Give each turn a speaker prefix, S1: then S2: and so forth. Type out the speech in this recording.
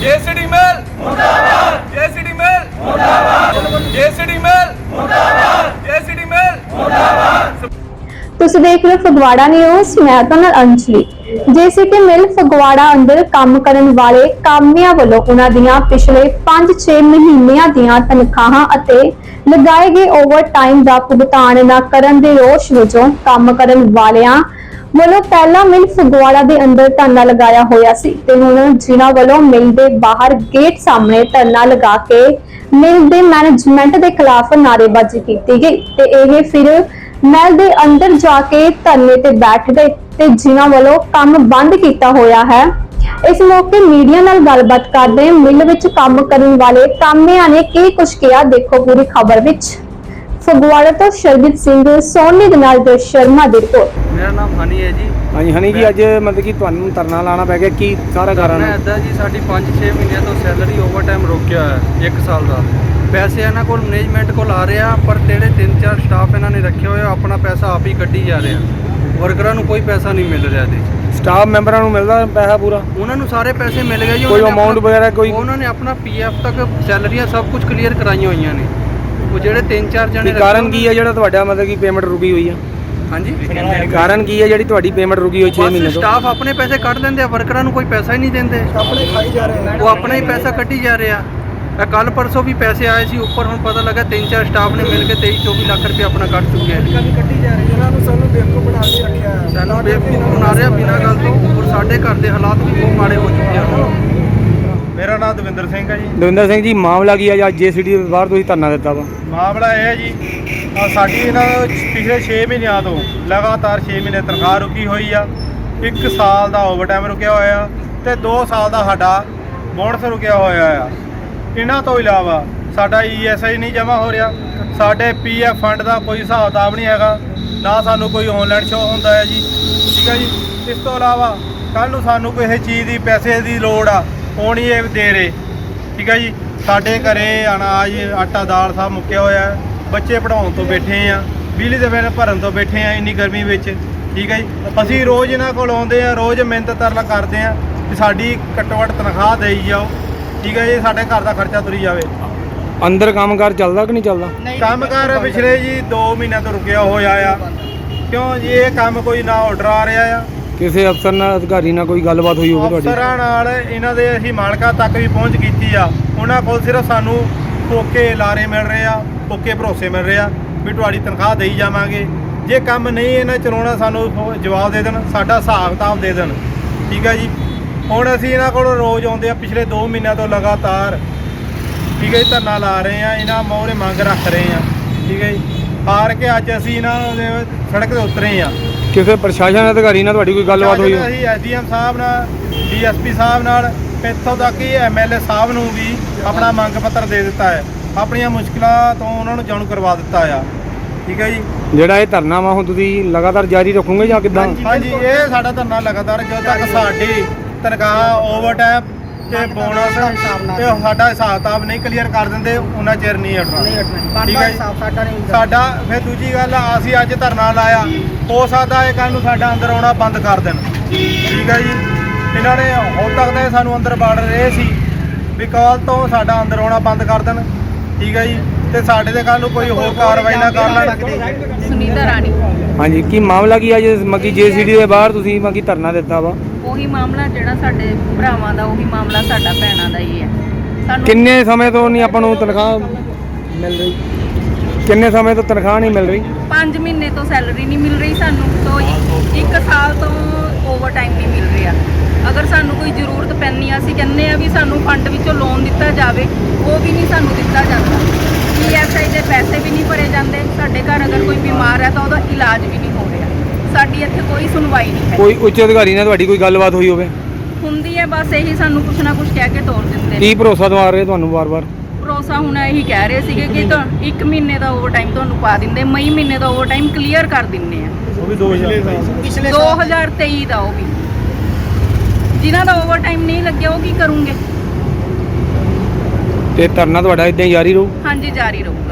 S1: जेसीडी mail मुर्दाबाद, जेसीडी mail मुर्दाबाद, जेसीडी mail मुर्दाबाद, जेसीडी मेल मुर्दाबाद।
S2: ਤੁਸੀਂ ਦੇਖ ਰਹੇ ਹੋ ਫਗਵਾੜਾ ਨਿਊਜ਼। ਮੈਂ ਤੁਹਾਨੂੰ ਅੰਜਲੀ। ਜੇਸੀਟੀ ਮਿਲ ਫਗਵਾੜਾ ਅੰਦਰ ਕੰਮ ਕਰਨ ਵਾਲੇ ਕਾਮਿਆਂ ਵੱਲੋਂ ਉਹਨਾਂ ਦੀਆਂ ਪਿਛਲੇ 5-6 ਮਹੀਨਿਆਂ ਦੀਆਂ ਤਨਖਾਹਾਂ ਅਤੇ ਲਗਾਏ ਗਏ ਓਵਰਟਾਈਮ ਦਾ ਭੁਗਤਾਨ ਨਾ ਕਰਨ ਦੇ ਰੋਸ ਵਜੋਂ ਕੰਮ ਕਰਨ ਵਾਲਿਆਂ ਵੱਲੋਂ ਪਹਿਲਾਂ ਮਿਲ ਫਗਵਾੜਾ ਦੇ ਅੰਦਰ ਧਰਨਾ ਲਗਾਇਆ ਹੋਇਆ ਸੀ ਤੇ ਹੁਣ ਜਿਨ੍ਹਾਂ ਵੱਲੋਂ ਮਿਲ ਦੇ ਬਾਹਰ ਗੇਟ ਸਾਹਮਣੇ ਧਰਨਾ ਲਗਾ ਕੇ ਮਿਲ ਦੇ ਮੈਨੇਜਮੈਂਟ ਦੇ ਖਿਲਾਫ ਨਾਅਰੇਬਾਜ਼ੀ ਕੀਤੀ ਗਈ ਤੇ ਇਹ ਫਿਰ महल दे अंदर जाके धरने ते बैठ गए ते जिन्हां वालों काम बंद किया होया है। इस मौके मीडिया नाल गलबात करदे मिल विच काम करन वाले कामियां ने की कुछ किया, देखो पूरी खबर विच। फगवाड़ा तो शरजीत सिंह सोनी दे नाल जो शर्मा दी रिपोर्ट।
S3: मेरा नाम हनी है जी।
S4: हाँ जी हनी जी, अज मतलब कि तुहानू धरना लाना पै गया, की सारा कारण है?
S3: इदा जी साडी 5-6 महीने तो सैलरी ओवरटाइम रोकिया है 1 साल का। पैसे इन्हों को मैनेजमेंट को आ रहे हैं पर जेडे 3-4 स्टाफ इन्होंने रखे हुए अपना पैसा आप ही कड्ढी जा रहे हैं। वर्करां नूं कोई पैसा नहीं मिल रहा जी।
S4: स्टाफ मैंबरां नूं मिलदा पैसा पूरा?
S3: उन्होंने सारे पैसे मिल गए जी।
S4: कोई अमाउंट वगैरह कोई?
S3: उन्होंने अपना PF तक सैलरियां सब कुछ क्लीयर कराई हुई ने। वो जेडे 3-4 जने
S4: कारण की है जेड़ा तुहाडा मतलब कि पेमेंट रुकी हुई है?
S3: हाँ जी,
S4: कारण की है जेड़ी तुहाडी पेमेंट रुकी हुई 6 महीने तो?
S3: स्टाफ अपने पैसे कट देंगे, वर्करां नूं कोई पैसा ही नहीं देंगे, अपने खाई जा रहे हैं। वो अपना ही पैसा कट्टी जा रहे हैं। कल परसों भी पैसे आए सी ऊपर, हम पता लगा 3-4 स्टाफ ने मिलकर 23-24 लाख रुपये अपना कट चुके हैं। सानू बेवकूफ बना रहे बिना गल तो, और साढ़े घर के हालात भी बहुत माड़े हो चुके हैं।
S5: मेरा नाम दविंदर सिंह है जी।
S4: दविंदर सिंह जी, मामला की है अज JCT ਦੇ ਬਾਹਰ ਤੁਸੀਂ ਧਰਨਾ ਦਿੱਤਾ ਵਾ?
S5: ਮਾਮਲਾ ਇਹ ਹੈ ਜੀ, ਸਾਡੀ ਇਹਨਾਂ ਪਿਛਲੇ 6 ਮਹੀਨਿਆਂ ਤੋਂ ਲਗਾਤਾਰ 6 ਮਹੀਨੇ ਤਨਖਾਹ ਰੁਕੀ ਹੋਈ ਆ। 1 ਸਾਲ ਦਾ ਓਵਰਟਾਈਮ ਰੁਕਿਆ ਹੋਇਆ ਤੇ 2 ਸਾਲ ਦਾ ਸਾਡਾ ਬੋਨਸ ਰੁਕਿਆ ਹੋਇਆ ਆ। ਇਹਨਾਂ ਤੋਂ ਇਲਾਵਾ ਸਾਡਾ ESI ਨਹੀਂ ਜਮ੍ਹਾਂ ਹੋ ਰਿਹਾ, ਸਾਡੇ PF ਫੰਡ ਦਾ ਕੋਈ ਹਿਸਾਬ ਕਿਤਾਬ ਨਹੀਂ ਹੈਗਾ, ਨਾ ਸਾਨੂੰ ਕੋਈ ਆਨਲਾਈਨ ਸ਼ੋ ਹੁੰਦਾ ਹੈ ਜੀ। ਠੀਕ ਹੈ ਜੀ। ਇਸ ਤੋਂ ਇਲਾਵਾ ਕੱਲ ਨੂੰ ਸਾਨੂੰ ਕਿਸੇ ਚੀਜ਼ ਦੀ ਪੈਸੇ ਦੀ ਲੋੜ ਆ, ਉਹ ਨਹੀਂ ਇਹ ਦੇ ਰਹੇ। ਠੀਕ ਹੈ ਜੀ। ਸਾਡੇ ਘਰੇ ਅਨਾਜ ਆਟਾ ਦਾਲ ਸਭ ਮੁੱਕਿਆ ਹੋਇਆ, ਬੱਚੇ ਪੜ੍ਹਾਉਣ ਤੋਂ ਬੈਠੇ ਆ, ਬਿਜਲੀ ਦੇ ਬਿੱਲ ਭਰਨ ਤੋਂ ਬੈਠੇ ਆ ਇੰਨੀ ਗਰਮੀ ਵਿੱਚ। ਠੀਕ ਹੈ ਜੀ। ਅਸੀਂ ਰੋਜ਼ ਇਹਨਾਂ ਕੋਲ ਆਉਂਦੇ ਆ, ਰੋਜ਼ ਮਿਹਨਤ ਤਰਲਾ ਕਰਦੇ ਆ ਕਿ ਸਾਡੀ ਘੱਟੋ ਘੱਟ ਤਨਖਾਹ ਦੇਈ ਜਾਓ। ਠੀਕ ਹੈ ਜੀ। ਸਾਡੇ ਘਰ ਦਾ ਖਰਚਾ ਤੁਰੀ ਜਾਵੇ।
S4: ਅੰਦਰ ਕੰਮਕਾਰ ਚੱਲਦਾ ਕਿ ਨਹੀਂ ਚੱਲਦਾ?
S5: ਕੰਮਕਾਰ ਪਿਛਲੇ ਜੀ 2 ਮਹੀਨਿਆਂ ਤੋਂ ਰੁਕਿਆ ਹੋਇਆ ਆ। ਕਿਉਂ ਜੀ? ਇਹ ਕੰਮ ਕੋਈ ਨਾ ਆਰਡਰ ਆ ਰਿਹਾ ਆ,
S4: ਕਿਸੇ ਅਫਸਰ ਨਾਲ ਅਧਿਕਾਰੀ ਨਾਲ ਕੋਈ ਗੱਲਬਾਤ ਹੋਈ ਹੋਵੇ ਤੁਹਾਡੀ?
S5: ਅਫਸਰਾਂ ਨਾਲ ਇਹਨਾਂ ਦੇ ਅਸੀਂ ਮਾਲਕਾਂ ਤੱਕ ਵੀ ਪਹੁੰਚ ਕੀਤੀ ਆ। ਉਹਨਾਂ ਕੋਲ ਸਿਰਫ ਸਾਨੂੰ ਪੋਕੇ ਲਾਰੇ ਮਿਲ ਰਹੇ ਆ, ਪੋਕੇ ਭਰੋਸੇ ਮਿਲ ਰਹੇ ਆ ਵੀ ਤੁਹਾਡੀ ਤਨਖਾਹ ਦੇਈ ਜਾਵਾਂਗੇ। ਜੇ ਕੰਮ ਨਹੀਂ ਇਹਨਾਂ ਚਲਾਉਣਾ ਸਾਨੂੰ ਜਵਾਬ ਦੇ ਦੇਣ, ਸਾਡਾ ਹਿਸਾਬ ਕਿਤਾਬ ਦੇ ਦੇਣ। ਠੀਕ ਹੈ ਜੀ। ਹੁਣ ਅਸੀਂ ਇਹਨਾਂ ਕੋਲ ਰੋਜ਼ ਆਉਂਦੇ ਆ, ਪਿਛਲੇ 2 ਮਹੀਨਿਆਂ ਤੋਂ ਲਗਾਤਾਰ। ਠੀਕ ਹੈ ਜੀ। ਧਰਨਾ ਲਾ ਰਹੇ ਆ, ਇਹਨਾਂ ਮੋਹਰੇ ਮੰਗ ਰੱਖ ਰਹੇ ਆ। ਠੀਕ ਹੈ ਜੀ। ਹਾਰ ਕੇ ਅੱਜ ਅਸੀਂ ਇਹਨਾਂ ਦੇ ਸੜਕ 'ਤੇ ਉਤਰੇ ਆ।
S4: ਕਿਸੇ ਪ੍ਰਸ਼ਾਸਨ ਅਧਿਕਾਰੀ ਨਾਲ ਤੁਹਾਡੀ ਕੋਈ ਗੱਲਬਾਤ ਹੋਈ?
S5: ਅਸੀਂ SDM ਸਾਹਿਬ ਨਾਲ, DSP ਸਾਹਿਬ ਨਾਲ, ਇੱਥੋਂ ਤੱਕ ਕਿ MLA ਸਾਹਿਬ ਨੂੰ ਵੀ ਆਪਣਾ ਮੰਗ ਪੱਤਰ ਦੇ ਦਿੱਤਾ ਹੈ। ਆਪਣੀਆਂ ਮੁਸ਼ਕਿਲਾਂ ਤੋਂ ਉਹਨਾਂ ਨੂੰ ਜਾਣੂ ਕਰਵਾ ਦਿੱਤਾ ਆ। ਠੀਕ ਹੈ ਜੀ।
S4: ਜਿਹੜਾ ਇਹ ਧਰਨਾ ਵਾ ਹੁਣ ਤੁਸੀਂ ਲਗਾਤਾਰ ਜਾਰੀ ਰੱਖੋਗੇ ਜਾਂ ਕਿੱਦਾਂ?
S5: ਹਾਂਜੀ, ਇਹ ਸਾਡਾ ਧਰਨਾ ਲਗਾਤਾਰ ਜਦੋਂ ਤੱਕ ਸਾਡੀ ਤਨਖਾਹ ਓਵਰਟਾਈਮ ਤੇ ਬੋਨਸ ਤੇ ਸਾਡਾ ਹਿਸਾਬ ਕਿਤਾਬ ਨਹੀਂ ਕਲੀਅਰ ਕਰ ਦਿੰਦੇ ਉਹਨਾਂ ਚਿਰ ਨਹੀਂ ਹਟਣਾ। ਠੀਕ ਹੈ ਜੀ। ਸਾਡਾ ਫਿਰ ਦੂਜੀ ਗੱਲ, ਅਸੀਂ ਅੱਜ ਧਰਨਾ ਲਾਇਆ, ਹੋ ਸਕਦਾ ਇਹ ਕੱਲ੍ਹ ਨੂੰ ਸਾਡਾ ਅੰਦਰ ਆਉਣਾ ਬੰਦ ਕਰ ਦੇਣ। ਠੀਕ ਹੈ ਜੀ। ਇਹਨਾਂ ਨੇ ਹੁਣ ਤੱਕ ਤਾਂ ਸਾਨੂੰ ਅੰਦਰ ਬਾੜ ਰਹੇ ਸੀ ਵੀ ਕੱਲ੍ਹ ਤੋਂ ਸਾਡਾ ਅੰਦਰ ਆਉਣਾ ਬੰਦ ਕਰ ਦੇਣ। ਠੀਕ ਹੈ ਜੀ। ਤੇ ਸਾਡੇ ਤੇ ਕੱਲ੍ਹ ਨੂੰ ਕੋਈ ਹੋਰ ਕਾਰਵਾਈ ਨਾ ਕਰ ਲੈਣ।
S6: ਸੁਨੀਤਾ ਰਾਣੀ।
S4: ਹਾਂਜੀ, ਕੀ ਮਾਮਲਾ ਕੀ ਅੱਜ ਮੱਕੀ JCT ਦੇ ਬਾਹਰ ਤੁਸੀਂ ਮੱਕੀ ਧਰਨਾ ਦਿੱਤਾ ਵਾ?
S6: ਉਹੀ ਮਾਮਲਾ ਜਿਹੜਾ ਸਾਡੇ ਭਰਾਵਾਂ ਦਾ, ਉਹੀ ਮਾਮਲਾ ਸਾਡਾ ਭੈਣਾਂ ਦਾ ਹੀ ਹੈ। ਸਾਨੂੰ
S4: ਕਿੰਨੇ ਸਮੇਂ ਤੋਂ ਨਹੀਂ ਆਪਾਂ ਨੂੰ ਤਨਖਾਹ ਮਿਲ ਰਹੀ? ਕਿੰਨੇ ਸਮੇਂ ਤੋਂ ਤਨਖਾਹ ਨਹੀਂ ਮਿਲ ਰਹੀ?
S6: 5 ਮਹੀਨੇ ਤੋਂ ਸੈਲਰੀ ਨਹੀਂ ਮਿਲ ਰਹੀ ਸਾਨੂੰ, ਤੋਂ 1 ਸਾਲ ਤੋਂ ਓਵਰਟਾਈਮ ਨਹੀਂ ਮਿਲ ਰਿਹਾ। ਅਗਰ ਸਾਨੂੰ ਕੋਈ ਜ਼ਰੂਰਤ ਪੈਂਦੀ ਆ, ਅਸੀਂ ਕਹਿੰਦੇ ਆ ਵੀ ਸਾਨੂੰ ਫੰਡ ਵਿੱਚੋਂ ਲੋਨ ਦਿੱਤਾ ਜਾਵੇ, ਉਹ ਵੀ ਨਹੀਂ ਸਾਨੂੰ ਦਿੱਤਾ ਜਾਂਦਾ। ESI ਦੇ ਪੈਸੇ ਵੀ ਨਹੀਂ ਭਰੇ ਜਾਂਦੇ। ਸਾਡੇ ਘਰ ਅਗਰ ਕੋਈ ਬਿਮਾਰ ਹੈ ਤਾਂ ਉਹਦਾ ਇਲਾਜ ਵੀ ਨਹੀਂ ਹੋ ਰਿਹਾ। ਸਾਡੀ ਇੱਥੇ ਕੋਈ ਸੁਣਵਾਈ ਨਹੀਂ ਹੈ।
S4: ਕੋਈ ਉੱਚ ਅਧਿਕਾਰੀ ਨਾਲ ਤੁਹਾਡੀ ਕੋਈ ਗੱਲਬਾਤ ਹੋਈ ਹੋਵੇ?
S6: ਹੁੰਦੀ ਹੈ, ਬਸ ਇਹੀ ਸਾਨੂੰ ਕੁਛ ਨਾ ਕੁਛ ਕਹਿ ਕੇ ਤੋਰ ਦਿੰਦੇ ਨੇ।
S4: ਕੀ ਭਰੋਸਾ ਦਵਾ ਰਹੇ ਤੁਹਾਨੂੰ ਵਾਰ-ਵਾਰ?
S6: ਭਰੋਸਾ ਹੁਣ ਇਹੀ ਕਹਿ ਰਹੇ ਸੀਗੇ ਕਿ 1 ਮਹੀਨੇ ਦਾ ਓਵਰਟਾਈਮ ਤੁਹਾਨੂੰ ਪਾ ਦਿੰਦੇ, ਮਈ ਮਹੀਨੇ ਦਾ ਓਵਰਟਾਈਮ ਕਲੀਅਰ ਕਰ ਦਿੰਦੇ ਆ।
S5: ਉਹ ਵੀ
S6: 2023 ਦਾ ਉਹ ਵੀ। ਜਿਨ੍ਹਾਂ ਦਾ ਓਵਰਟਾਈਮ ਨਹੀਂ ਲੱਗਿਆ ਉਹ ਕੀ ਕਰੂੰਗੇ?
S4: ਤੇ ਧਰਨਾ ਤੁਹਾਡਾ ਇਦਾਂ ਹੀ ਜਾਰੀ ਰਹੂ?
S6: ਹਾਂਜੀ, ਜਾਰੀ ਰਹੂਗਾ।